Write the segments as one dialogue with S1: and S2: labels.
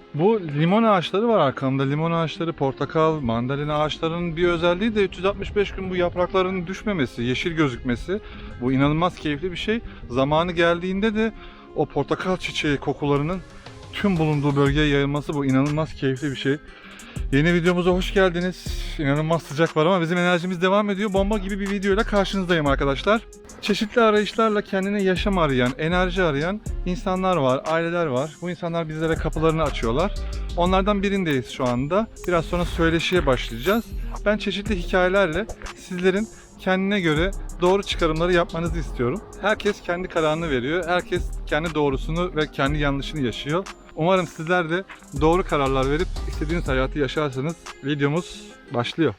S1: Bu limon ağaçları var arkamda. Limon ağaçları, portakal, mandalina ağaçlarının bir özelliği de 365 gün bu yaprakların düşmemesi, yeşil gözükmesi. Bu inanılmaz keyifli bir şey. Zamanı geldiğinde de o portakal çiçeği kokularının tüm bulunduğu bölgeye yayılması bu inanılmaz keyifli bir şey. Yeni videomuza hoş geldiniz. İnanılmaz sıcak var ama bizim enerjimiz devam ediyor. Bomba gibi bir videoyla karşınızdayım arkadaşlar. Çeşitli arayışlarla kendine yaşam arayan, enerji arayan insanlar var, aileler var. Bu insanlar bizlere kapılarını açıyorlar. Onlardan birindeyiz şu anda. Biraz sonra söyleşiye başlayacağız. Ben çeşitli hikayelerle sizlerin kendine göre doğru çıkarımları yapmanızı istiyorum. Herkes kendi kararını veriyor. Herkes kendi doğrusunu ve kendi yanlışını yaşıyor. Umarım sizler de doğru kararlar verip istediğiniz hayatı yaşarsınız. Videomuz başlıyor.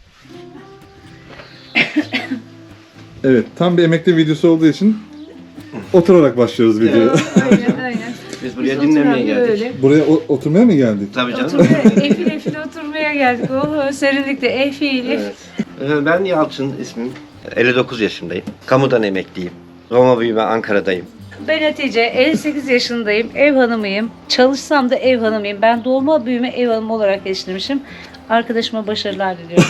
S1: Evet, tam bir emekli videosu olduğu için oturarak başlıyoruz videoya.
S2: Aynen.
S3: Biz buraya dinlemeye geldik.
S1: Buraya oturmaya mı geldik?
S3: Tabii canım.
S2: Efil oturmaya geldik. Oh, serinlikte efil.
S3: Evet. Ben Yalçın ismim. 59 yaşındayım. Kamudan emekliyim. Roma büyüme Ankara'dayım.
S2: Ben Hatice, 58 yaşındayım. Ev hanımıyım. Çalışsam da ev hanımıyım. Ben doğma büyüme ev hanımı olarak yetiştirmişim. Arkadaşıma başarılar diliyorum.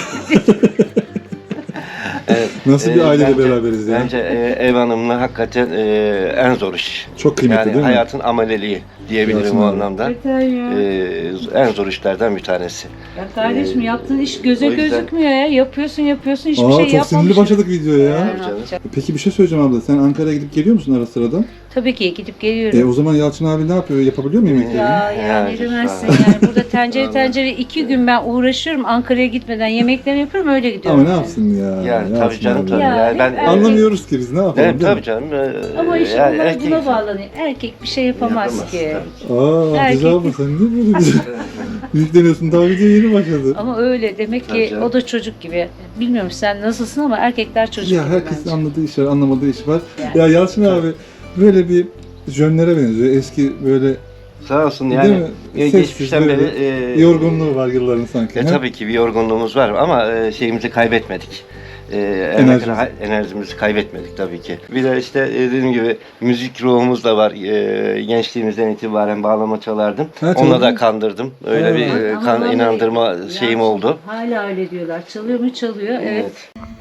S3: Evet.
S1: Nasıl bir aileyle beraberiz yani?
S3: Bence ev hanımlığı hakikaten en zor iş.
S1: Çok kıymetli
S3: yani
S1: değil mi?
S3: hayatın ameleliği diyebilirim
S1: Hayatın
S3: o
S1: ameli.
S3: anlamda. En zor işlerden bir tanesi.
S2: Ya kardeşim yaptığın iş göze
S3: o yüzden-
S2: gözükmüyor ya. Yapıyorsun hiçbir şey
S1: Çok
S2: yapmamışsın.
S1: sinirli başladık videoya ya.
S2: Ne yapacağım?
S1: Peki bir şey söyleyeceğim abla. Sen Ankara'ya gidip geliyor musun ara sırada?
S2: Tabii ki gidip geliyorum.
S1: O zaman Yalçın abi ne yapıyor? Yapabiliyor mu yemekleri?
S2: Ya
S3: Yani,
S2: ne demezsin
S3: vallahi.
S2: yani. Burada tencere 2 gün ben uğraşıyorum. Ankara'ya gitmeden yemeklerini yapıyorum öyle gidiyorum.
S1: Ama ne yapsın ya?
S3: Yani
S1: Yalçın
S3: tabii canım
S1: abi.
S3: tabii.
S2: Ya,
S3: Yani ben
S2: hep
S1: Anlamıyoruz ki biz ne yapalım
S3: Evet,
S1: değil
S3: tabii
S1: mi?
S3: canım.
S2: Ama işte
S3: yani
S2: bunlar
S3: erkek-
S2: buna bağlanıyor. Erkek bir şey yapamaz
S3: Yapamaz,
S2: ki.
S3: tabii ki.
S1: Hatice
S2: Erkek-
S1: abla sen niye böyle güzel yükleniyorsun? Daha video yeni başladı.
S2: Ama öyle demek
S3: Tabii
S2: ki
S3: canım.
S2: o da çocuk gibi. Bilmiyorum sen nasılsın ama erkekler çocuk
S1: Ya
S2: gibi
S1: herkesin
S2: bence.
S1: anladığı iş var, anlamadığı iş var.
S2: Yani.
S1: Ya Yalçın abi böyle bir jönlere benziyor. Eski böyle
S3: Sağ olsun
S1: değil
S3: yani.
S1: mi?
S3: Geçmişten
S1: Sessiz,
S3: beri
S1: böyle yorgunluğu var yılların sanki. he?
S3: Tabii ki bir yorgunluğumuz var ama şeyimizi kaybetmedik. Enerjimizi kaybetmedik tabii ki. Bir de işte dediğim gibi müzik ruhumuz da var. Gençliğimizden itibaren bağlama çalardım.
S1: Ha,
S3: Onunla
S1: çaldın.
S3: da kandırdım. Öyle
S1: Ha.
S3: bir
S2: Ama vallahi
S3: inandırma
S2: ya
S3: şeyim oldu.
S2: Hala öyle diyorlar. Çalıyor mu çalıyor. Evet.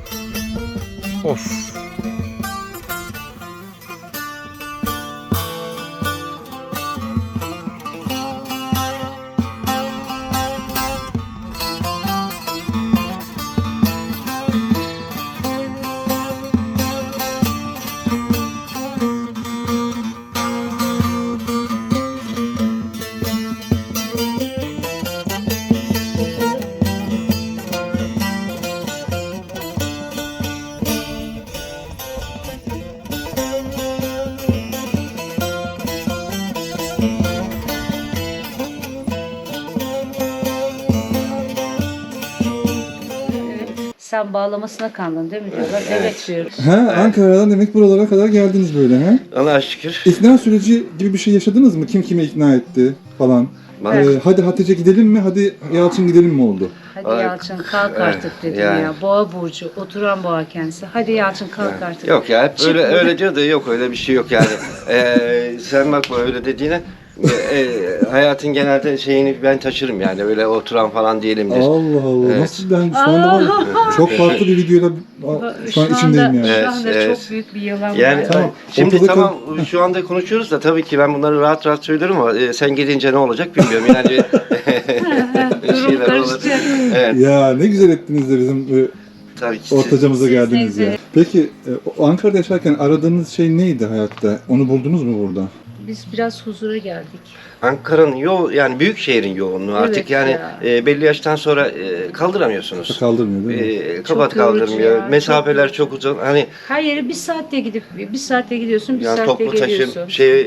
S1: Of.
S2: Sen bağlamasına kandın değil mi diyorlar. Evet diyoruz.
S1: Ha, Ankara'dan demek buralara kadar geldiniz böyle ha?
S3: Allah'a şükür.
S1: İkna süreci gibi bir şey yaşadınız mı? Kim kime ikna etti falan?
S3: Evet.
S1: Hadi Hatice gidelim mi? Hadi Yalçın gidelim mi oldu?
S2: Hadi
S3: Ay,
S2: Yalçın kalk
S3: evet,
S2: artık dedim
S3: yani.
S2: ya. Boğa burcu, oturan boğa kendisi. Hadi Yalçın kalk artık.
S3: Yok ya hep
S2: Çık
S3: öyle
S2: buradan.
S3: öyle diyor da yok öyle bir şey yok yani. Sen bakma öyle dediğine. Hayatın genelde şeyini ben taşırım yani öyle oturan falan değilimdir.
S1: Allah Allah.
S3: Evet.
S1: Nasıl ben şu anda var ya, çok farklı bir videoyla şu an içindeyim yani.
S3: Evet,
S2: Şu anda
S3: evet.
S2: çok büyük bir yalan
S3: Yani
S2: var.
S1: Tamam.
S3: şimdi
S1: Ortada
S3: tamam şu anda konuşuyoruz da tabii ki ben bunları rahat rahat söylerim ama sen gidince ne olacak bilmiyorum yani bir
S2: Durum
S3: şeyler olur.
S2: karışacak.
S3: Evet
S1: Ya ne güzel ettiniz de bizim
S3: tabii ki.
S1: ortacamıza
S2: Siz
S1: geldiniz
S2: neyse.
S1: ya. Peki o Ankara'da yaşarken aradığınız şey neydi hayatta? Onu buldunuz mu burada?
S2: Biz biraz huzura geldik.
S3: Ankara'nın yani büyük şehrin yoğunluğu
S2: Evet
S3: artık yani
S2: ya.
S3: belli yaştan sonra kaldıramıyorsunuz.
S1: Kaldırmıyor değil mi?
S3: Kapat
S2: Çok yorucu
S3: kaldırmıyor.
S2: ya,
S3: Mesafeler
S2: çok
S3: çok uzun. Hani
S2: Her yere bir saatte gidip bir saatte gidiyorsun, bir
S3: yani
S2: saatte
S3: toplu taşım,
S2: geliyorsun.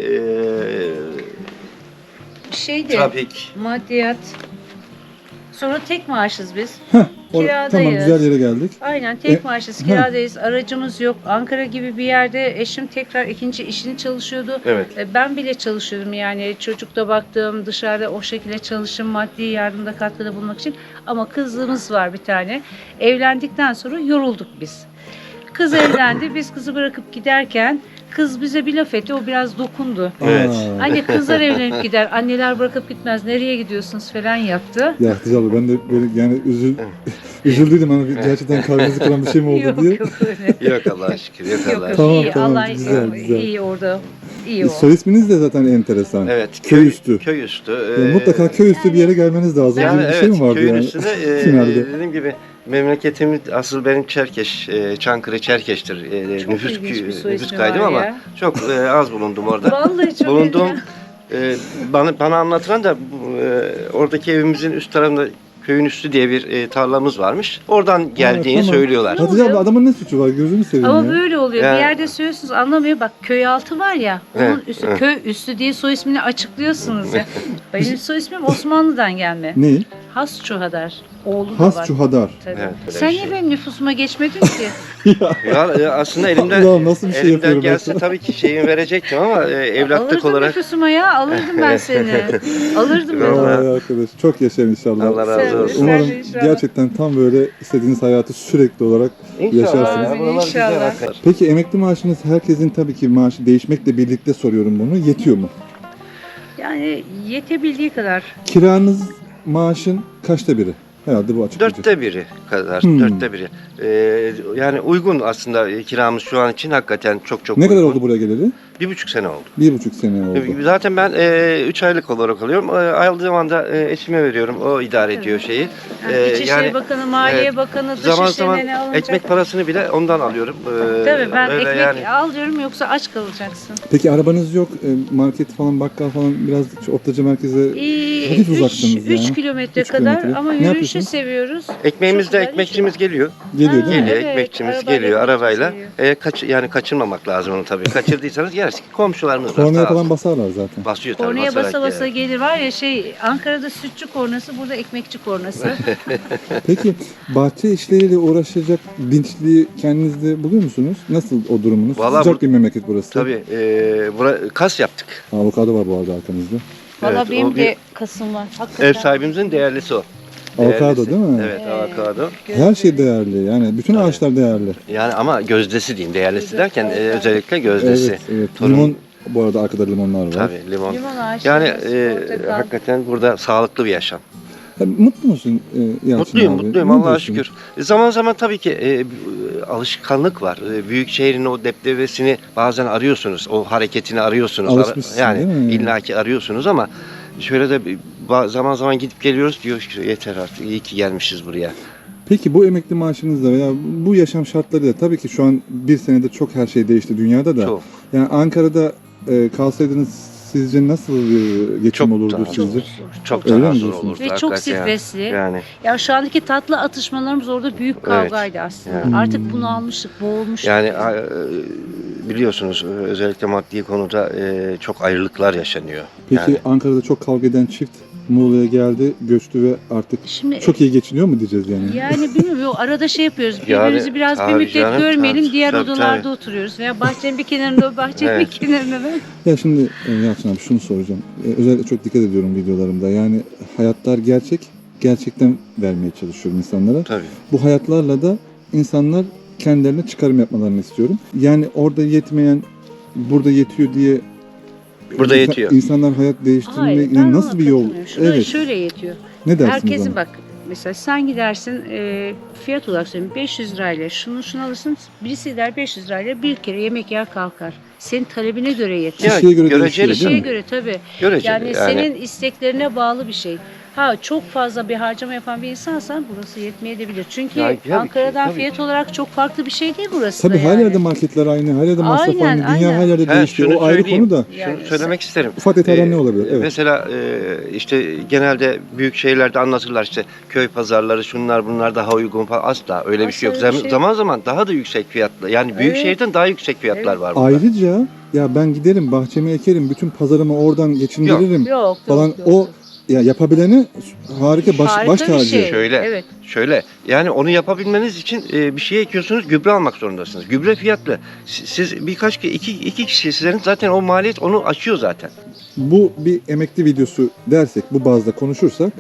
S2: Şeydi,
S3: trafik.
S2: maddiyat. Sonra tek maaşız biz.
S1: Tamam
S2: Kiradayız.
S1: güzel yere geldik.
S2: Aynen tek maaşız,
S1: ha.
S2: kiradayız, aracımız yok. Ankara gibi bir yerde eşim tekrar ikinci işini çalışıyordu.
S3: Evet.
S2: Ben bile çalışıyordum yani çocukta baktım dışarıda o şekilde çalışım maddi yardımda katkıda bulmak için. Ama kızımız var bir tane. Evlendikten sonra yorulduk biz. Kız evlendi. Biz kızı bırakıp giderken kız bize bir laf etti, o biraz dokundu.
S3: Evet.
S2: Anne kızlar evlenip gider, anneler bırakıp gitmez, nereye gidiyorsunuz falan yaptı.
S1: Ya Hatice abla ben de böyle yani üzüldüm ama gerçekten kalbinizi kıran bir şey mi oldu
S2: Yok
S1: diye.
S2: yok öyle.
S3: Yok Allah'a şükür, yok
S2: Yok
S3: Allah'a
S2: yok
S3: şükür.
S1: Tamam,
S2: iyi,
S1: tamam,
S2: Allah
S1: güzel, güzel.
S2: iyi orada. İyi o.
S1: Soy isminiz de zaten enteresan.
S3: Evet.
S1: Köy üstü.
S3: Köy üstü.
S1: Ya mutlaka köy üstü bir yere gelmeniz lazım.
S3: Yani
S1: gibi bir
S3: evet,
S1: şey mi vardı
S3: köyün
S1: yani?
S3: üstünde
S1: Finalde.
S3: dediğim gibi memleketimiz asıl benim Çerkeş, Çankırı Çerkeş'tir.
S2: Çok
S3: Nüfus,
S2: ilginç bir soy
S3: nüfus
S2: ismi
S3: kaydım
S2: var
S3: ama
S2: ya.
S3: çok az bulundum orada.
S2: Vallahi çok
S3: Bulunduğum
S2: ilginç.
S3: bana anlatılan da oradaki evimizin üst tarafında köyün üstü diye bir tarlamız varmış. Oradan geldiğini
S1: tamam.
S3: söylüyorlar.
S1: Hatice abla adamın ne suçu var gözünü seveyim
S2: Ama
S1: ya.
S2: böyle oluyor.
S3: Yani-
S2: Bir yerde söylüyorsunuz anlamıyor. Bak köy altı var ya. Onun
S3: Evet,
S2: üstü
S3: evet.
S2: köy üstü diye soy ismini açıklıyorsunuz ya. Benim soy ismim Osmanlı'dan gelme.
S1: Ne?
S2: Has Çuhadar. Oğlu da
S1: Has
S2: var.
S1: Çuhadar.
S2: Tabii.
S3: Evet, öyle
S2: Sen
S3: bir
S2: niye
S3: şey.
S2: benim nüfusuma geçmedin ki?
S3: Ya aslında elimden
S1: Allah'ım nasıl bir şey
S3: elimden
S1: yapıyorum ben
S3: gelse
S1: sana?
S3: tabii ki şeyimi verecektim ama evlatlık
S2: Alırdım
S3: olarak
S2: nüfusuma ya. Alırdım ben seni. Alırdım ben.
S3: Vallahi.
S1: Ay arkadaş çok yaşayın inşallah.
S3: Allah razı
S2: Sen-
S3: olsun.
S1: Umarım
S2: sen de inşallah.
S1: gerçekten tam böyle istediğiniz hayatı sürekli olarak yaşarsınız.
S3: ya, buralar güzel
S2: İnşallah.
S3: hakikaten.
S1: Peki emekli maaşınız herkesin tabii ki maaşı değişmekle birlikte soruyorum bunu. Yetiyor mu?
S2: Yani yetebildiği kadar.
S1: Kiranız maaşın kaçta biri? Herhalde bu açıklayıcı.
S3: Dörtte biri kadar.
S1: Hmm.
S3: Dörtte biri. Yani uygun aslında kiramız şu an için hakikaten çok
S1: Ne kadar
S3: uygun.
S1: oldu buraya geleli?
S3: 1,5 sene oldu.
S1: 1,5 sene oldu.
S3: Zaten ben 3 aylık olarak alıyorum. Ayrıldığım zaman da eşime veriyorum. O idare ediyor şeyi.
S2: Yani İçişleri
S3: yani
S2: Bakanı, Maliye
S3: evet,
S2: Bakanı,
S3: zaman zaman
S2: Dışişleri'ne ne alınacak?
S3: ekmek parasını bile ondan alıyorum.
S2: Tabii ben
S3: öyle
S2: ekmek al diyorum yoksa aç kalacaksın.
S1: Peki arabanız yok, market falan, bakkal falan biraz şu Ortaca merkeze hafif uzaksınız
S2: 3
S1: yani.
S2: kilometre
S1: 3
S2: kadar
S1: kilometre.
S2: ama
S1: Ne
S2: yürüyüşü
S1: yapıyorsunuz?
S2: seviyoruz.
S3: Ekmeğimiz
S2: Çok
S3: de
S2: güzel
S3: ekmekçimiz geliyor.
S1: Geliyor değil mi?
S3: Geliyor
S2: Evet,
S3: ekmekçimiz
S2: arabayla
S3: geliyor
S2: ekmek
S3: arabayla.
S2: geliyor.
S3: Yani kaçırmamak lazım onu tabii. Kaçırdıysanız yeriz. Komşularımız var.
S1: Kornaya
S3: sağ
S1: falan
S3: olsun.
S1: basarlar zaten.
S3: Basıyor tabii.
S2: Kornaya
S3: basarak
S2: basa basa
S3: yani.
S2: gelir var ya Ankara'da sütçü kornası, burada ekmekçi kornası.
S1: Peki bahçe işleriyle uğraşacak dinçliği kendinizde buluyor musunuz? Nasıl o durumunuz?
S3: Vallahi
S1: Sıcak bir memleket burası.
S3: Tabii kas yaptık.
S1: Avokado var bu arada arkanızda.
S2: Valla
S3: Evet,
S2: benim
S3: o
S2: de
S3: bir-
S2: kasım var. Hakikaten.
S3: Ev sahibimizin değerlisi o.
S1: Avokado
S3: Değerlisi.
S1: değil mi?
S3: Evet, avokado.
S1: Her şey değerli. Yani bütün
S3: Tabii.
S1: ağaçlar değerli.
S3: Yani ama gözdesi diyeyim. Değerlisi derken
S2: Evet.
S3: özellikle gözdesi.
S1: Evet, evet.
S3: Torun-
S1: Limon bu arada arkada limonlar var.
S3: Tabii limon.
S2: Limon ağaçları,
S3: Yani
S2: portakal.
S3: hakikaten burada sağlıklı bir yaşam.
S1: Mutlu musun Yalçın
S3: Mutluyum,
S1: abi?
S3: mutluyum
S1: Ne
S3: Allah'a
S1: diyorsun?
S3: şükür. Zaman zaman tabii ki alışkanlık var. Büyük şehrin o deptebesini bazen arıyorsunuz. O hareketini arıyorsunuz.
S1: Alışmışsın,
S3: Yani
S1: değil mi?
S3: illaki arıyorsunuz ama şöyle de zaman zaman gidip geliyoruz diyor ki yeter artık iyi ki gelmişiz buraya.
S1: Peki bu emekli maaşınızla veya bu yaşam şartlarıyla tabii ki şu an bir senede çok her şey değişti dünyada da.
S3: Çok.
S1: Yani Ankara'da kalsaydınız sizce nasıl bir geçim
S3: Çok
S1: olurdu
S3: daha
S1: sizce?
S3: Çok
S1: Öyle
S3: daha
S1: mi
S3: zor
S1: diyorsunuz?
S3: olurdu.
S2: Ve çok
S3: hakikaten yani.
S2: stresli.
S3: Yani
S2: Ya şu andaki tatlı atışmalarımız orada büyük kavgaydı aslında.
S3: Evet.
S2: Artık bunu almıştık, boğulmuştuk.
S3: yani biliyorsunuz özellikle maddi konuda çok ayrılıklar yaşanıyor.
S1: Peki
S3: Yani
S1: Ankara'da çok kavga eden çift Muğla'ya geldi, göçtü ve artık
S2: Şimdi
S1: çok iyi geçiniyor mu diyeceğiz yani?
S2: yani bilmiyorum o arada şey yapıyoruz.
S3: Yani,
S2: Birbirimizi biraz bir
S3: tabii
S2: müddet
S3: canım,
S2: görmeyelim.
S3: tabii,
S2: Diğer
S3: tabii,
S2: odalarda
S3: tabii.
S2: oturuyoruz. Veya bahçenin bir kenarında o bahçenin
S3: Evet.
S2: bir kenarında ben.
S1: Ya şimdi Yalçın abi şunu soracağım. Özellikle çok dikkat ediyorum videolarımda. Yani hayatlar gerçek, gerçekten vermeye çalışıyorum insanlara.
S3: tabii.
S1: Bu hayatlarla da insanlar kendilerine çıkarım yapmalarını istiyorum. Yani orada yetmeyen burada yetiyor diye
S3: Burada yetiyor.
S1: İnsanlar hayat değiştirmeye
S2: Hayır, ben
S1: yani
S2: ona
S1: nasıl bir yol?
S2: katılmıyorum. Şurada
S1: Evet.
S2: şöyle yetiyor.
S1: Ne dersiniz
S2: Herkesin
S1: ona?
S2: bak mesela sen gidersin fiyat olarak söyleyeyim 500 lirayla şunu alırsın. Birisi gider 500 lirayla bir kere yemek yer kalkar. Senin talebine göre yeter.
S3: Ya,
S1: Kişiye göre
S3: göreceli
S1: değişiyor, değil
S2: Kişiye
S1: mi?
S2: göre tabii.
S3: Göreceli
S2: Yani senin isteklerine bağlı bir şey. Ha çok fazla bir harcama yapan bir insansan burası yetmeyebilir. Çünkü
S3: Ya, tabii ki,
S2: Ankara'dan
S3: tabii
S2: fiyat
S3: ki.
S2: olarak çok farklı bir şey değil burası
S1: Tabii
S2: da
S1: her
S2: yani.
S1: yerde marketler aynı, her yerde masraf
S2: Aynen,
S1: aynı, dünya
S2: aynen.
S1: her yerde
S3: He,
S1: değişiyor.
S3: şunu
S1: O ayrı
S3: söyleyeyim.
S1: konu da.
S2: Yani
S3: Şunu söylemek isterim.
S1: Ufak detaylar ne olabilir? Evet.
S3: Mesela işte genelde büyük şehirlerde anlatırlar işte köy pazarları şunlar bunlar daha uygun falan. Asla öyle bir şey yok.
S2: Asla öyle bir şey
S3: Zaman zaman daha da yüksek fiyatlı. Yani büyük
S2: Evet.
S3: şehirden daha yüksek fiyatlar
S2: Evet.
S3: var burada.
S1: Ayrıca ya ben giderim bahçemi ekerim, bütün pazarımı oradan geçindiririm
S2: Yok,
S1: falan.
S2: yok,
S1: O ya yapabileni harika baş
S2: Harika bir
S1: tacı.
S2: şey.
S3: Şöyle.
S2: Evet.
S3: Şöyle yani onu yapabilmeniz için bir şey ekiyorsunuz gübre almak zorundasınız. Gübre fiyatlı. Siz iki kişisiniz zaten o maliyet onu aşıyor zaten.
S1: Bu bir emekli videosu dersek, bu bazda konuşursak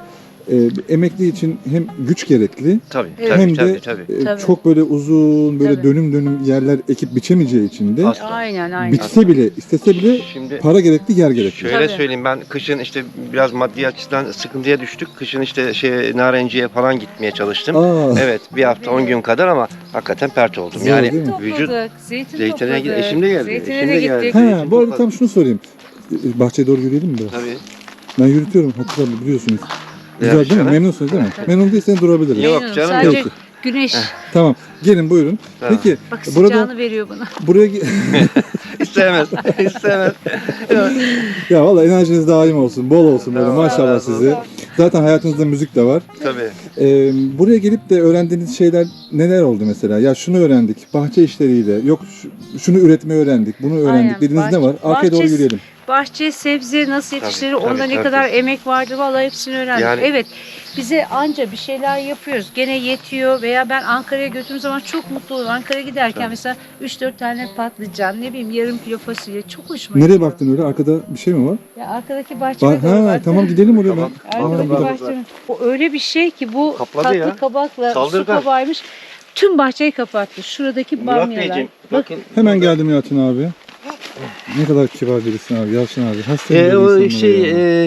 S4: emekli için hem güç gerekli
S3: Tabii,
S2: Evet.
S3: tabii,
S4: hem
S3: tabii,
S4: de
S3: tabii.
S2: Tabii.
S4: çok böyle uzun böyle
S2: Tabii.
S4: dönüm yerler ekip biçemeyeceği için de
S3: Asla.
S2: Aynen.
S4: bitse bile istese bile
S3: Şimdi
S4: para gerekli, yer gerekli.
S3: şöyle
S2: Tabii.
S3: söyleyeyim, ben kışın işte biraz maddi açıdan sıkıntıya düştük. Kışın işte Narenciye falan gitmeye çalıştım.
S4: Aa,
S3: Evet, bir hafta 10 gün kadar ama hakikaten pert oldum.
S4: Zor
S3: Yani
S4: değil mi?
S3: vücut
S2: Zeytin
S3: Zeytine
S2: topladık.
S3: gid- eşim de geldi.
S2: Zeytine
S3: Eşim
S2: de
S3: de
S2: gittik.
S3: geldi.
S4: ha,
S3: Zeytin
S4: bu arada
S3: topladık.
S4: tam şunu sorayım. Bahçeye doğru yürüyelim mi biraz?
S3: Tabii.
S4: Ben yürütüyorum Hatice abla, biliyorsunuz. Güzel
S3: Evet,
S4: değil mi?
S3: canım.
S4: Memnunsunuz değil mi? Memnun değilseniz durabiliriz.
S3: Yok
S2: Memnunum.
S3: canım,
S2: Sadece
S4: yok.
S2: güneş.
S4: Tamam. Gelin buyurun.
S3: Tamam.
S4: Peki
S2: Bak
S4: burada
S2: sıcağını veriyor bana.
S4: buraya
S3: İstemez. İstemez.
S4: ya valla enerjiniz daim olsun. Bol olsun böyle,
S3: Tamam,
S4: maşallah
S3: sağ ol.
S4: size. Zaten hayatınızda müzik de var.
S3: Tabii.
S4: Buraya gelip de öğrendiğiniz şeyler neler oldu mesela? Ya şunu öğrendik, bahçe işleriyle, yok şunu üretmeyi öğrendik, bunu öğrendik
S2: Aynen,
S4: dediğiniz ne var? Arkaya doğru
S2: bahçe-
S4: yürüyelim.
S2: Bahçe, sebze nasıl yetiştirilir,
S3: Tabii,
S2: onda ne
S3: tabii.
S2: kadar emek vardır vallahi hepsini öğrendik.
S3: Yani-
S2: Evet, bize anca bir şeyler yapıyoruz. Gene yetiyor veya ben Ankara'ya götürdüğüm zaman çok mutlu olurum. Ankara'ya giderken mesela 3-4 tane patlıcan, ne bileyim yarım kilo fasulye çok hoşuma
S4: Nereye
S2: gidiyor.
S4: baktın öyle? Arkada bir şey mi var?
S2: Ya arkadaki bahçeme doğru
S4: Ha,
S2: baktım.
S4: tamam gidelim oraya.
S3: Tamam.
S2: Arkadaki
S4: Aa,
S2: bahçeme. O öyle bir şey ki bu
S3: Kapladı
S2: tatlı
S3: ya.
S2: kabakla
S3: Saldırgan.
S2: su kabağıymış. Tüm bahçeyi kapattı. Şuradaki
S3: Murat
S2: bamyalar.
S3: Beyciğim,
S2: Bak,
S3: bakın.
S4: Hemen geldim Yalçın abi. Ne kadar kibar birisin abi, Yalçın abi. Hasta bir
S3: O
S4: insanlar ya.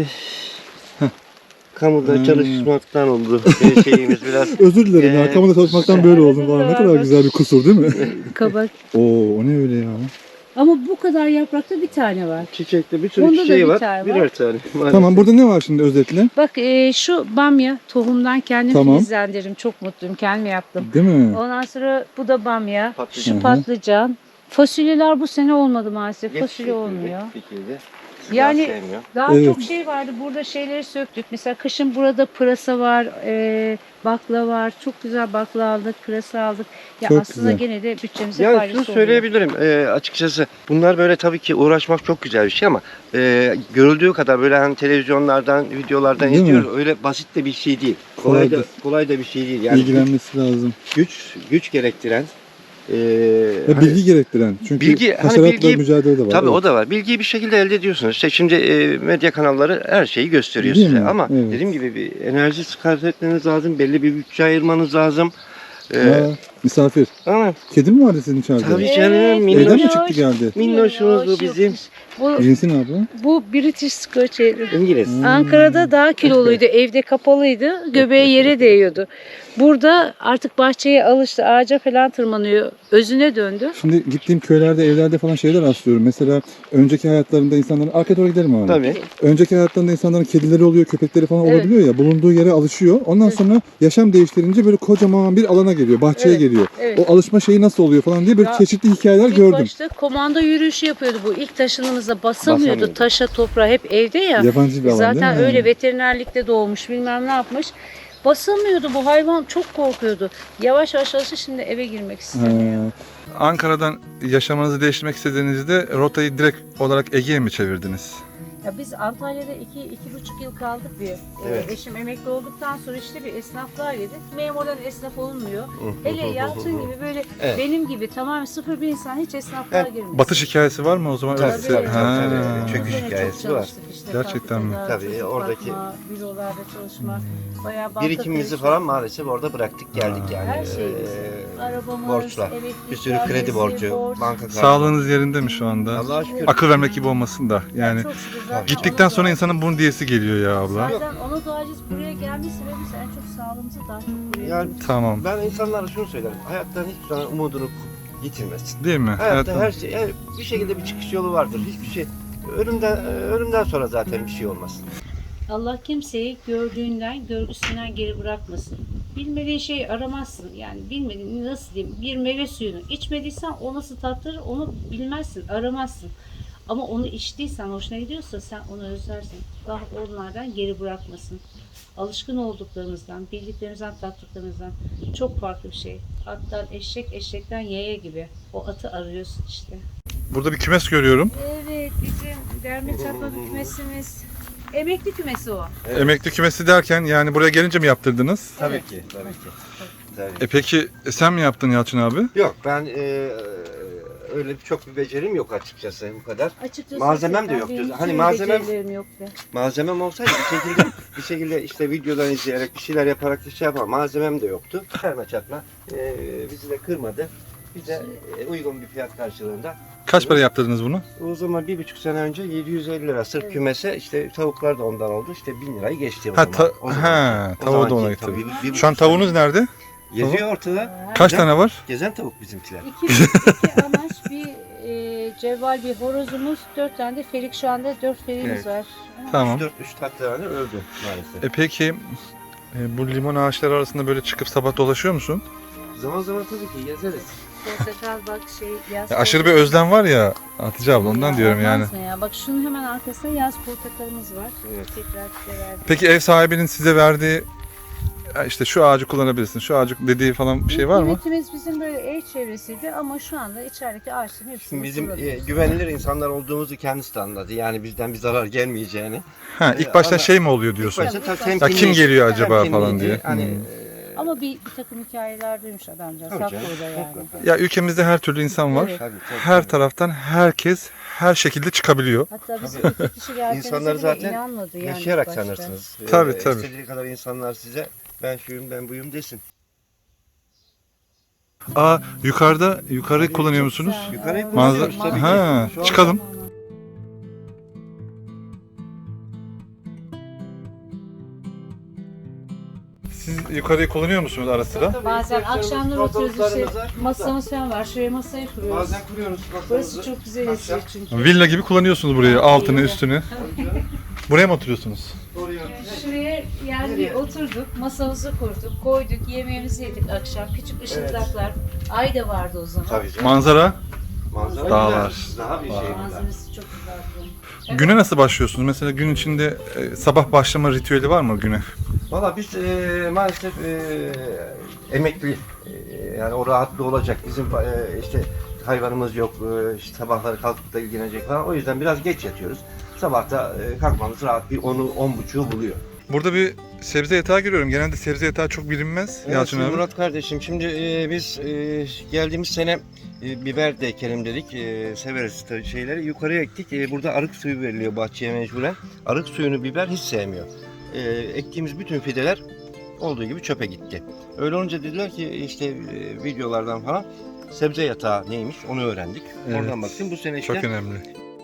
S3: kamuda
S4: Hmm.
S3: çalışmaktan oldu şeyimiz biraz.
S4: Özür dilerim ya, kamuda çalışmaktan böyle oldum falan. Ne kadar güzel bir kusur değil mi?
S2: kabak.
S4: Oo, o ne öyle ya?
S2: Ama bu kadar yaprakta bir tane var.
S3: Çiçekte bir sürü
S2: Onda da
S3: çiçeği
S2: bir
S3: var.
S2: tane var.
S3: Birer tane. maalesef.
S4: Tamam, burada ne var şimdi özetle?
S2: Bak şu bamya tohumdan kendim
S4: Tamam.
S2: filizlendirdim. Çok mutluyum. Kendim yaptım.
S4: Değil mi?
S2: Ondan sonra bu da bamya.
S3: Patlıcan.
S2: Şu patlıcan. Fasulyeler bu sene olmadı maalesef. Fasulye
S3: Yetişiyor
S2: olmuyor.
S3: dikildi.
S2: Yani
S3: Biraz sevmiyor.
S2: daha
S4: Evet.
S2: çok şey vardı. Burada şeyleri söktük. Mesela kışın burada pırasa var, bakla var. Çok güzel bakla aldık, pırasa aldık. Ya
S4: Çok
S2: aslında
S4: güzel.
S2: gene de bütçemize
S3: Yani
S2: faydası
S3: şunu
S2: oluyor.
S3: söyleyebilirim açıkçası bunlar böyle tabii ki uğraşmak çok güzel bir şey ama görüldüğü kadar böyle hani televizyonlardan, videolardan
S4: Değil mi?
S3: izliyoruz. Öyle basit de bir şey değil. Kolay da bir şey değil. Yani
S4: İlgilenmesi lazım.
S3: güç gerektiren
S4: Ve
S3: hani-
S4: bilgi gerektiren. Çünkü
S3: Bilgi- hani
S4: haşeratla
S3: bilgi-
S4: mücadele de var.
S3: Tabii
S4: Evet.
S3: o da var. Bilgiyi bir şekilde elde ediyorsunuz. İşte şimdi medya kanalları her şeyi gösteriyor
S4: Değil
S3: size.
S4: mi?
S3: Ama
S4: Evet.
S3: dediğim gibi bir enerji sarf etmeniz lazım. Belli bir bütçe ayırmanız lazım.
S4: Aa, misafir.
S3: Ama
S4: Kedi mi vardı sizin içeride?
S3: tabii canım
S4: Evden mi
S3: minnoş.
S4: çıktı geldi?
S3: Minnoşumuz bu bizim.
S2: Bu,
S4: Cinsi ne abla?
S2: bu British Scotch.
S3: İngiliz.
S2: Ankara'da daha kiloluydu, evde kapalıydı, göbeği yere değiyordu. Burada artık bahçeye alıştı, ağaca falan tırmanıyor, özüne döndü.
S4: Şimdi gittiğim köylerde, evlerde falan şeyler rastlıyorum. Mesela önceki hayatlarında insanların... Arkaya doğru gidelim abi.
S3: Tabii.
S4: Önceki hayatlarında insanların kedileri oluyor, köpekleri falan
S2: Evet.
S4: olabiliyor ya. Bulunduğu yere alışıyor. Ondan
S2: Evet.
S4: sonra yaşam değiştirince böyle kocaman bir alana geliyor. Bahçeye
S2: Evet,
S4: geliyor.
S2: evet.
S4: O alışma şeyi nasıl oluyor falan diye böyle
S2: Ya,
S4: çeşitli hikayeler
S2: İlk
S4: gördüm.
S2: başta komando yürüyüşü yapıyordu bu. İlk taşınımızda basamıyordu.
S3: Basamıyordu.
S2: Taşa, toprağa hep evde ya.
S4: Yabancı bir alan
S2: Zaten
S4: değil mi?
S2: öyle veterinerlikte doğmuş, bilmem ne yapmış. Basamıyordu bu hayvan, çok korkuyordu. Yavaş yavaş alıştı, şimdi eve girmek istemiyor.
S1: Ankara'dan yaşamanızı değiştirmek istediğinizde rotayı direkt olarak Ege'ye mi çevirdiniz?
S2: Ya biz Antalya'da 2,5 yıl kaldık bir.
S3: Evet.
S2: Eşim emekli olduktan sonra işte bir esnaflığa girdik. Memurdan esnaf olmuyor. Hele Yalçın gibi böyle
S3: Evet.
S2: benim gibi tamamen sıfır bir insan hiç esnaflığa
S3: Evet,
S2: girmiyor.
S1: Batış hikayesi var mı o zaman?
S3: Tabii,
S1: Öyle-
S3: tabii,
S1: Ha.
S3: tabii. Çöküş
S2: Gene çok
S3: hikayesi var.
S2: çalıştık işte,
S1: Gerçekten mi?
S2: fabrikada,
S3: Tabii,
S2: çocuk
S3: oradaki-
S2: bakma, bürolarda çalışma, bayağı banka
S3: Birikimimizi
S2: kredi,
S3: falan maalesef orada bıraktık geldik yani.
S2: her şeyimiz. Arabamız,
S3: borçlar.
S2: elektrik,
S3: Bir sürü kredi
S2: vergisi,
S3: borcu,
S2: borç.
S3: banka kartı.
S1: Sağlığınız yerinde mi şu anda?
S3: Allah'a şükür.
S1: Akıl vermek gibi olmasın da yani.
S2: Çok şükür zaten
S1: Gittikten
S2: ona
S1: sonra
S2: dua-
S1: insanın bunun diyesi geliyor ya abla.
S2: Zaten ona duacıyız. Buraya gelmiş sebebimiz en çok sağlığımızı daha çok buraya
S3: Yani
S1: Tamam.
S3: ben insanlara şunu söylerim. Hayattan hiçbir zaman umudunu yitirmesin.
S1: Değil mi?
S3: Hayatta
S1: Evet.
S3: her şey, yani bir şekilde bir çıkış yolu vardır. Hiçbir şey ölümden sonra zaten bir şey olmaz.
S2: Allah kimseyi gördüğünden, görgüsünden geri bırakmasın. Bilmediğin şeyi aramazsın. Yani bilmediğin nasıl diyeyim, bir meyve suyunu içmediysen o nasıl tatlıdır onu bilmezsin, aramazsın. Ama onu içtiysen, hoşuna gidiyorsa sen onu özlersin. Allah onlardan geri bırakmasın. Alışkın olduklarımızdan, bildiklerimizden, tattıklarımızdan çok farklı bir şey. Attan eşek, eşekten yaya gibi. O atı arıyorsun işte.
S1: Burada bir kümes görüyorum.
S2: Evet, bizim derme çatma kümesimiz. Emekli kümesi o.
S3: Evet.
S1: Emekli kümesi derken yani buraya gelince mi yaptırdınız?
S3: Tabii ki, tabii ki. Tabii.
S1: Peki sen mi yaptın Yalçın abi?
S3: Yok ben öyle çok bir becerim yok açıkçası bu kadar.
S2: Açıkçası
S3: Malzemem de
S2: ben-
S3: yoktu.
S2: benim
S3: Hani
S2: hiç
S3: malzemem-
S2: becerilerim yoktu.
S3: Malzemem olsaydı bir şekilde bir şekilde işte videodan izleyerek bir şeyler yaparak şey yapar. Malzemem de yoktu. Serme çatma bizi de kırmadı. Bize uygun bir fiyat karşılığında.
S1: Kaç para yaptırdınız bunu?
S3: O zaman 1,5 sene önce 750 lira sırf kümese, işte tavuklar da ondan oldu. İşte 1000 lirayı geçti o
S1: Ha,
S3: zaman. O zaman. O
S1: tavuğu da
S3: zamanki
S1: ona
S3: tabii,
S1: getirdin.
S3: 1,5
S1: Şu an tavuğunuz nerede?
S3: geziyor ortada.
S1: Kaç
S3: Güzel.
S1: tane var?
S3: Gezen tavuk bizimkiler.
S2: İki amaç, bir cevval bir horozumuz, 4 tane de ferik, şu anda 4 feriğimiz
S3: Evet.
S2: var.
S1: Tamam.
S3: 3 tane öldü maalesef.
S1: Peki bu limon ağaçları arasında böyle çıkıp sabah dolaşıyor musun?
S3: Zaman zaman tabii ki gezeriz.
S2: Portakal bak yaz
S1: Aşırı bir özlem var ya Hatice abla, ondan diyorum yani.
S2: olmaz mı ya? Bak şunun hemen arkasında yaz portakalımız var.
S3: Evet.
S2: Tekrar size verdim.
S1: Peki ev sahibinin size verdiği "Ya işte şu ağacı kullanabilirsin, şu ağacı" dediği falan bir şey var mı?
S2: Üretimimiz bizim böyle ev çevresiydi ama şu anda içerideki ağaçların hepsini
S3: Şimdi bizim
S2: kullanıyoruz.
S3: güvenilir insanlar olduğumuzu kendisi de anladı. Yani bizden bir zarar gelmeyeceğini.
S1: Ha, ilk başta
S3: ama-
S1: şey mi oluyor diyorsun?
S3: İlk başta
S2: Ya
S3: temkinli-
S1: kim geliyor acaba
S3: temkinliydi.
S1: falan diye.
S3: Hani,
S2: Ama bir takım hikayeler duymuş adamcağız.
S3: Tabii
S2: Haklı
S3: canım,
S2: o da yani.
S3: mutlaka.
S1: Ya ülkemizde her türlü insan var.
S2: Evet.
S3: tabii,
S1: Her taraftan herkes her şekilde çıkabiliyor.
S2: Hatta biz iki kişi geldiğimizde
S3: İnsanları
S2: bile
S3: zaten
S2: inanmadı yani.
S3: yaşayarak
S2: ilk başta.
S3: sanırsınız.
S1: Tabii, tabii.
S3: İstediği kadar insanlar size ben şuyum ben buyum desin.
S1: Aa, yukarı kullanıyor musunuz?
S2: Güzel.
S3: Yukarıyı
S2: Evet.
S3: kullanıyoruz
S1: Manzara-
S3: tabii
S1: Ha,
S3: ki. Şu anda-
S1: çıkalım. Siz yukarıyı kullanıyor musunuz ara sıra?
S3: Tabii,
S2: Bazen
S3: ihtiyaçlarımız,
S2: akşamları oturuyoruz işte
S3: fotoğraflarımız var.
S2: masamız falan var. Şuraya masayı kuruyoruz.
S3: Bazen kuruyoruz
S2: Burası
S3: masamızı.
S2: çok güzel esiyor çünkü.
S1: Villa gibi kullanıyorsunuz burayı, altını
S2: Villa.
S1: üstünü. Buraya mı oturuyorsunuz?
S3: Oraya.
S2: Şuraya yani bir oturduk, masamızı kurduk, koyduk, yemeğimizi yedik akşam. Küçük ışıklar, ay da vardı o zaman.
S3: Tabii canım.
S1: Manzara.
S3: Manzara
S1: Dağlar.
S3: güzel. Daha bir şey güzel.
S2: Manzarası çok güzeldi. Evet.
S1: Güne nasıl başlıyorsunuz? Mesela gün içinde sabah başlama ritüeli var mı güne?
S3: Valla biz maalesef emekli, yani o rahatlı olacak. Bizim işte hayvanımız yok, işte sabahları kalkıp da ilgilenecek falan. O yüzden biraz geç yatıyoruz. Sabahta kalkmamız rahat bir 10'u 10.30'u buluyor.
S1: Burada bir sebze yatağı görüyorum. Genelde sebze yatağı çok bilinmez Yalçın
S3: Evet,
S1: abi.
S3: Murat kardeşim, şimdi biz geldiğimiz sene biber de ekelim dedik. Severiz tabii şeyleri. Yukarıya ektik. Burada arık suyu veriliyor bahçeye mecburen. Arık suyunu biber hiç sevmiyor. Ektiğimiz bütün fideler olduğu gibi çöpe gitti. Öyle olunca dediler ki işte videolardan falan sebze yatağı neymiş onu öğrendik.
S1: Evet.
S3: Oradan baktım bu sene işte.
S1: Çok önemli.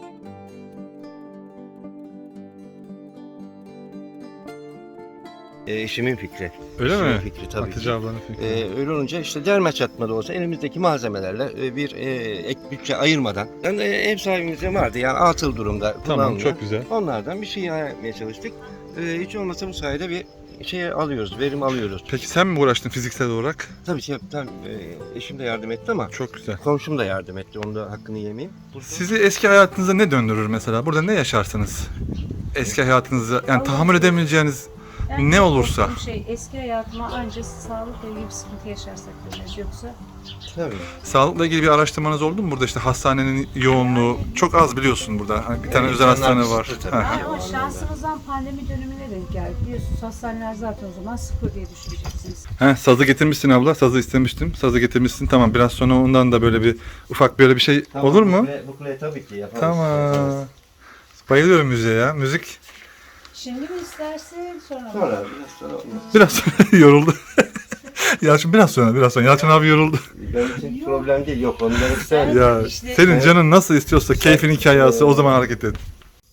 S3: Eşimin fikri.
S1: Öyle
S3: Eşimin
S1: mi?
S3: fikri tabii
S1: Hatice
S3: ki.
S1: ablanın fikri.
S3: Öyle olunca işte derme çatma da olsa elimizdeki malzemelerle bir ek bütçe ayırmadan yani ev sahibimizde vardı yani atıl durumda
S1: Tamam,
S3: kullanılıyor.
S1: çok güzel.
S3: Onlardan bir şey yapmaya çalıştık. Hiç olmasa bu sayede bir şey alıyoruz, verim alıyoruz.
S1: Peki sen mi uğraştın fiziksel olarak?
S3: Tabii ki eşim de yardım etti ama
S1: Çok güzel.
S3: komşum da yardım etti. Onu da hakkını yemeyeyim.
S1: Sizi eski hayatınıza ne döndürür mesela? Burada ne yaşarsınız? Eski hayatınıza yani tahammül edemeyeceğiniz
S2: Yani
S1: ne olursa.
S2: korktuğum şey, eski hayatıma ancak sağlıkla ilgili bir sıkıntı yaşarsak döneriz. Yoksa
S3: Tabii.
S1: Sağlıkla ilgili bir araştırmanız oldu mu? Burada işte hastanenin yoğunluğu çok az biliyorsun burada. Hani bir tane
S3: Evet,
S1: özel
S3: insanlar
S1: hastane var.
S3: kısıtlı tabii.
S1: Ha.
S2: ama şansımızdan pandemi dönemine denk geldi. Biliyorsunuz hastaneler zaten o zaman sıfır diye düşüneceksiniz.
S1: Heh, sazı getirmişsin abla. Sazı istemiştim. Sazı getirmişsin. Tamam. Biraz sonra ondan da böyle bir ufak böyle bir şey
S3: Tamam,
S1: olur mu?
S3: Bu kule tabii ki yaparız.
S1: Tamam. Bayılıyorum müziğe ya. Müzik
S2: Şimdi mi istersin sonra mı?
S3: Sonra biraz sonra olmaz.
S1: biraz sonra yoruldu. Yalçın biraz sonra. Yalçın abi yoruldu.
S3: Benim için problem değil. Yok onu demek istemem.
S1: Ya
S2: İşte-
S1: senin canın nasıl istiyorsa keyfin hikayesi o zaman hareket et.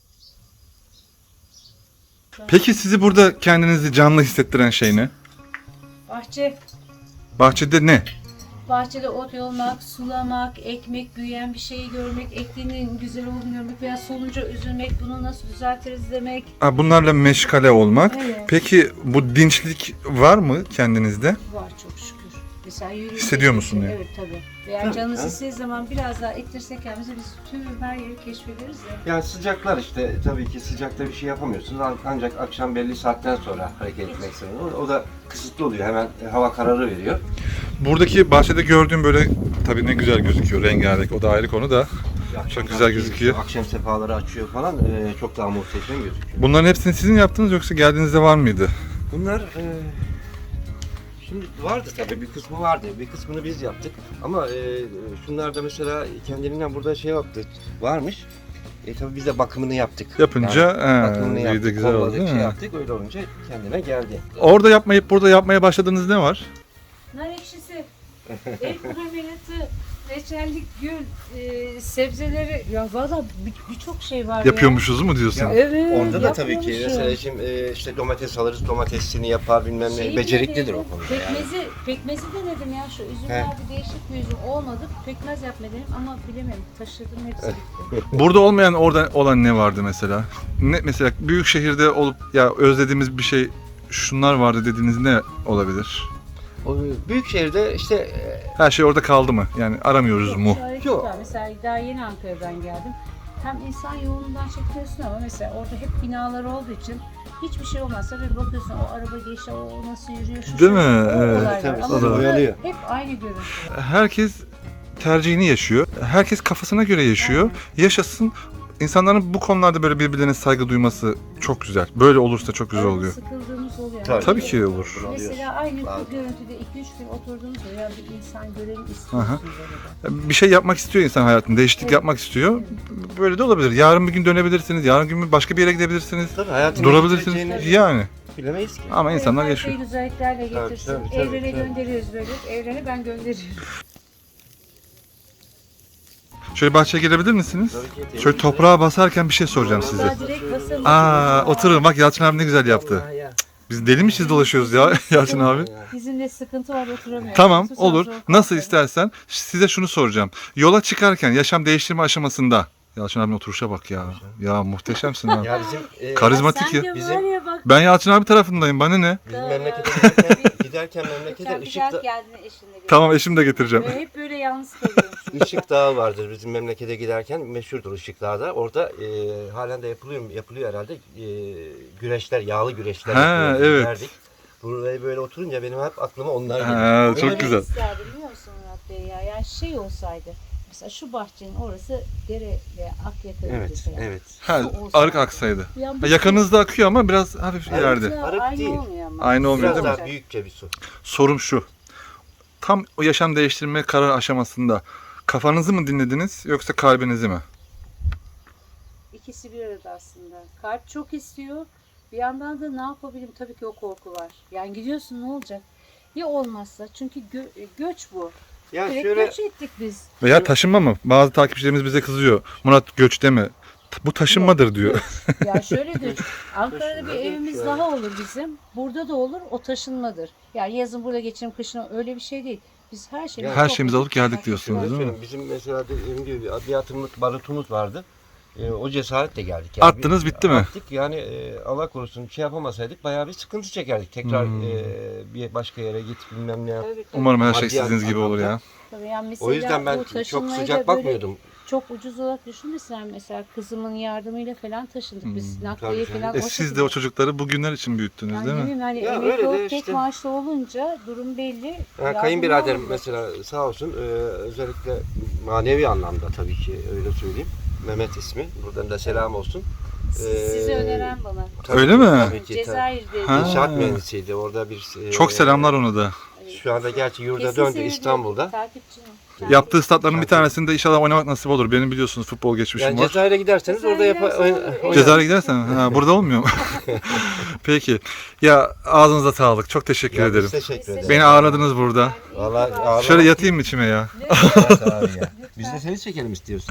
S1: Peki sizi burada kendinizi canlı hissettiren şey ne?
S2: Bahçe.
S1: Bahçede ne?
S2: Bahçede ot yolmak, sulamak, ekmek, büyüyen bir şeyi görmek, ektiğinin güzel olduğunu görmek veya solunca üzülmek, bunu nasıl düzeltiriz demek.
S1: Ha, bunlarla meşgale olmak.
S2: Evet.
S1: Peki bu dinçlik var mı kendinizde?
S2: Var çok şükür. Mesela yürüyünce
S1: Hissediyor musun ya?
S2: Evet tabii. Veya
S3: Tabii,
S2: canınız
S3: ha.
S2: istediği zaman biraz daha ittirsek kendimizi biz tüm her yeri keşfederiz ya.
S3: Yani sıcaklar işte tabii ki sıcakta bir şey yapamıyorsunuz ancak akşam belli saatten sonra hareket etmek zorunda. O da kısıtlı oluyor. Hemen hava kararı veriyor.
S1: Buradaki bahçede gördüğüm böyle tabii ne güzel gözüküyor rengarenk o da ayrı konu da.
S3: Akşam
S1: güzel
S3: tabii
S1: gözüküyor.
S3: Akşam sefaları açıyor falan çok daha muhteşem gözüküyor.
S1: Bunların hepsini sizin yaptınız yoksa geldiğinizde var mıydı?
S3: Bunlar şimdi vardı tabii bir kısmı vardı. Bir kısmını biz yaptık. Ama şunlar da mesela kendiliğinden burada şey yaptı. Varmış. Tabii biz de bakımını yaptık.
S1: Yapınca
S3: bakımını
S1: büyüdü,
S3: yaptık,
S1: güzel oldu
S3: kolladık,
S1: değil
S3: şey
S1: mi?
S3: yaptık. Öyle olunca kendine geldi.
S1: Orada yapmayıp burada yapmaya başladığınız ne var?
S2: Nar ekşisi, el kurabiyyatı, reçellik, gül, sebzeleri. Ya valla birçok şey var
S1: Yapıyormuşuz mu diyorsun?
S3: Ya,
S2: Evet.
S3: Orada da tabii ki
S2: yapıyormuşum.
S3: mesela şimdi işte domates alırız, domatesini yapar bilmem ne.
S2: Şeyi
S3: Beceriklidir
S2: denedim,
S3: o konuda yani.
S2: Pekmezi denedim ya, şu üzümlerde değişik bir üzüm olmadı. Pekmez yapma dedim ama bilemedim. Taşırdım, hepsi bitti.
S1: Burada olmayan orada olan ne vardı mesela? Ne mesela büyük şehirde olup ya özlediğimiz bir şey şunlar vardı dediğiniz ne olabilir?
S3: O büyük şehirde işte
S1: Her şey orada kaldı mı? Yani aramıyoruz mu?
S2: Şu hareket
S3: Yok.
S2: var. Mesela daha yeni Ankara'dan geldim. Hem insan yoğunluğundan çekiyorsun ama mesela orada hep binalar olduğu için hiçbir şey olmazsa bir bakıyorsun o araba geçiyor, o nasıl yürüyor, şu
S1: Değil
S2: şu,
S1: mi?
S2: o
S1: Evet.
S2: olay var.
S3: Tabii,
S2: Ama
S3: tabii.
S2: burada
S3: Oyalıyor.
S2: hep aynı görüntü.
S1: Herkes tercihini yaşıyor. Herkes kafasına göre yaşıyor. Yaşasın. İnsanların bu konularda böyle birbirlerine saygı duyması çok güzel. Böyle olursa çok güzel
S2: Arada
S1: oluyor.
S2: sıkıldığımız oluyor.
S1: Tabii ki olur.
S2: Mesela aynı
S3: Bazen.
S2: görüntüde 2-3 gün oturduğumuz ya bir insan görelim
S1: Aha.
S2: istiyorsunuz orada.
S1: Bir şey yapmak istiyor insan hayatında. Değişiklik
S2: Evet.
S1: yapmak istiyor. Böyle de olabilir. Yarın bir gün dönebilirsiniz. Yarın gün başka bir yere gidebilirsiniz.
S3: tabii hayatın
S1: Durabilirsiniz.
S3: geçeceğini
S1: Yani.
S3: bilemeyiz ki.
S1: Ama insanlar
S2: Her
S1: yaşıyor.
S2: şeyi güzelliklerle
S3: Tabii,
S2: getirsin.
S3: tabii, tabii,
S2: Evrene
S3: tabii.
S2: gönderiyoruz böyle. Evrene ben gönderiyorum.
S1: Şöyle bahçeye girebilir misiniz?
S3: Tabii ki.
S1: Şöyle toprağa basarken bir şey soracağım size.
S2: Vallahi direkt basamıyorum.
S1: Oturun bak Yalçın abi ne güzel yaptı.
S3: Vallahi ya.
S1: Biz deli miyiz dolaşıyoruz ya Yalçın abi.
S2: Bizimle sıkıntı var, oturamıyoruz.
S1: Tamam
S2: Susam
S1: olur.
S2: zor
S1: Nasıl
S2: kalkarım.
S1: istersen. Size şunu soracağım. Yola çıkarken yaşam değiştirme aşamasında. Yalçın abinin oturuşa bak ya. Ya muhteşemsin abi.
S3: Ya bizim
S1: Karizmatik
S2: Sen
S1: ya.
S2: de
S3: Bizim-
S2: var ya bak.
S1: Ben Yalçın abi tarafındayım. Bana ne?
S3: bizim memlekete giderken memlekete
S2: Geçen bir
S3: ışık,
S2: dert geldin eşinle. gelin.
S1: Tamam eşimi de getireceğim.
S2: Ve hep böyle yalnız kalıyormuşum.
S3: Işık Dağı vardır bizim memlekete giderken meşhurdur Işık Dağı'da. Orada halen de yapılıyor herhalde. Güreşler, yağlı güreşler
S1: Ha,
S3: yapıyoruz,
S1: evet.
S3: giderdik. Buraya böyle oturunca benim hep aklıma onlar geliyor.
S1: Ha,
S3: Öyle
S1: çok
S3: bir-
S1: güzel.
S2: İsterdim biliyor musun Murat Bey ya? Yani şey olsaydı. Mesela şu bahçenin orası dere ve Akyaka
S3: Evet,
S2: mesela.
S3: evet.
S1: Ha,
S2: Su olsaydı.
S1: arık aksaydı.
S2: Ya bu
S1: Ha, yakınızda akıyor ama biraz hafif
S3: Evet.
S1: ileride.
S2: su
S3: Arık
S2: aynı
S3: değil.
S2: olmuyor ama.
S1: Aynı olmuyor
S3: Biraz
S1: değil mi?
S3: daha büyükçe bir su.
S1: Sorum şu. Tam o yaşam değiştirme karar aşamasında kafanızı mı dinlediniz yoksa kalbinizi mi?
S2: İkisi bir arada aslında. Kalp çok istiyor. Bir yandan da ne yapabilirim? Tabii ki o korku var. Yani gidiyorsun, ne olacak? Ya olmazsa? Çünkü göç bu.
S3: Ya
S2: Direkt
S3: şöyle
S2: göç ettik biz.
S1: Veya taşınma mı? Bazı takipçilerimiz bize kızıyor. Murat göç deme. Bu taşınmadır diyor.
S2: Ya şöyle göç. Ankara'da bir
S3: Taşınma
S2: evimiz
S3: değil,
S2: daha olur bizim. Burada da olur. O taşınmadır. Yani yazın burada geçirim, kışın öyle bir şey değil. Biz her şeyimizi
S1: Her şeyimizi
S2: topladık,
S1: alıp geldik
S2: çıkarttık.
S1: diyorsunuz, değil mi?
S3: söyleyeyim, bizim mesela dediğim gibi bir atımlık barutumuz vardı. O cesaretle geldik. Yani.
S1: Attınız, bitti mi?
S3: Attık yani Allah korusun şey yapamasaydık bayağı bir sıkıntı çekerdik. Tekrar bir başka yere git bilmem ne yap.
S2: Tabii, tabii.
S1: Umarım her şey
S3: Maddi
S1: istediğiniz gibi olur ya.
S2: Tabii yani mesela
S3: O yüzden ben
S2: bu
S3: çok
S2: taşınmayı
S3: sıcak
S2: da böyle
S3: bakmıyordum.
S2: çok ucuz olarak düşünmesen mesela kızımın yardımıyla falan taşındık biz. Nakliye
S3: Tabii
S2: falan
S3: canım.
S2: o
S1: Siz de
S2: şekilde.
S1: o çocukları bugünler için büyüttünüz
S2: Yani
S1: değil
S2: ne
S1: mi?
S2: bileyim hani
S3: Ya
S2: emekli
S3: öyle de
S2: olup tek
S3: işte.
S2: maaşlı olunca durum belli.
S3: Kayınbiraderim
S2: Yardımcı
S3: mesela sağ olsun özellikle manevi anlamda tabii ki öyle söyleyeyim. Mehmet ismi. Buradan da selam olsun.
S2: Sizi öneren bana.
S3: Tabii
S1: Öyle
S3: ki,
S1: mi?
S3: Tabii ki.
S2: Cezayir'de.
S1: Ha.
S3: İnşaat mühendisiydi. Orada bir
S1: Çok selamlar ona da.
S3: Şu anda gerçi yurda
S2: Kesin
S3: döndü
S2: seyrediyor.
S3: İstanbul'da.
S2: Takipçim.
S1: Yaptığı statların bir tanesinde inşallah oynamak nasip olur. Benim biliyorsunuz futbol geçmişim
S3: Yani
S1: var.
S3: Cezayir'e giderseniz orada
S2: Cezayir'e
S1: Cezayir'e gidersen ha, burada olmuyor mu? Peki. Ya ağzınıza sağlık. Çok teşekkür ederim.
S3: Biz teşekkür ederiz.
S1: Beni ağırladınız burada.
S3: Vallahi ağırlamak
S1: Şöyle yatayım mı içime ya?
S3: Evet abi ya. Biz de seni çekelim istiyorsun.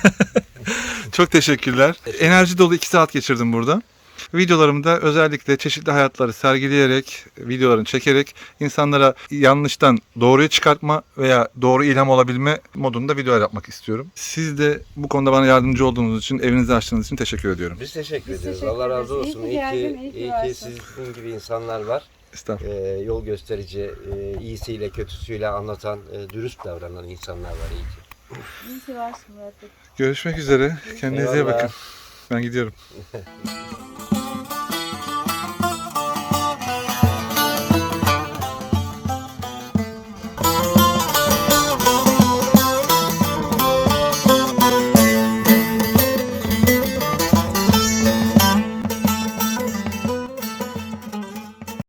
S1: Çok teşekkürler. Enerji dolu 2 saat geçirdim burada. Videolarımda özellikle çeşitli hayatları sergileyerek, videolarını çekerek insanlara yanlıştan doğruyu çıkartma veya doğru ilham olabilme modunda videolar yapmak istiyorum. Siz de bu konuda bana yardımcı olduğunuz için, evinizi açtığınız için teşekkür ediyorum.
S3: Biz teşekkür
S2: Biz
S3: ediyoruz.
S2: teşekkür
S3: Allah razı
S2: ederiz.
S3: olsun.
S2: İyi ki geldin, iyi ki
S3: iyi ki
S2: varsın.
S3: sizin gibi insanlar var.
S1: Estağfurullah.
S3: Yol gösterici, iyisiyle kötüsüyle anlatan, dürüst davranan insanlar var. İyi ki.
S2: İyi ki varsın Murat Bey.
S1: Görüşmek üzere. Kendinize iyi
S3: Eyvallah.
S1: bakın. Ben gidiyorum.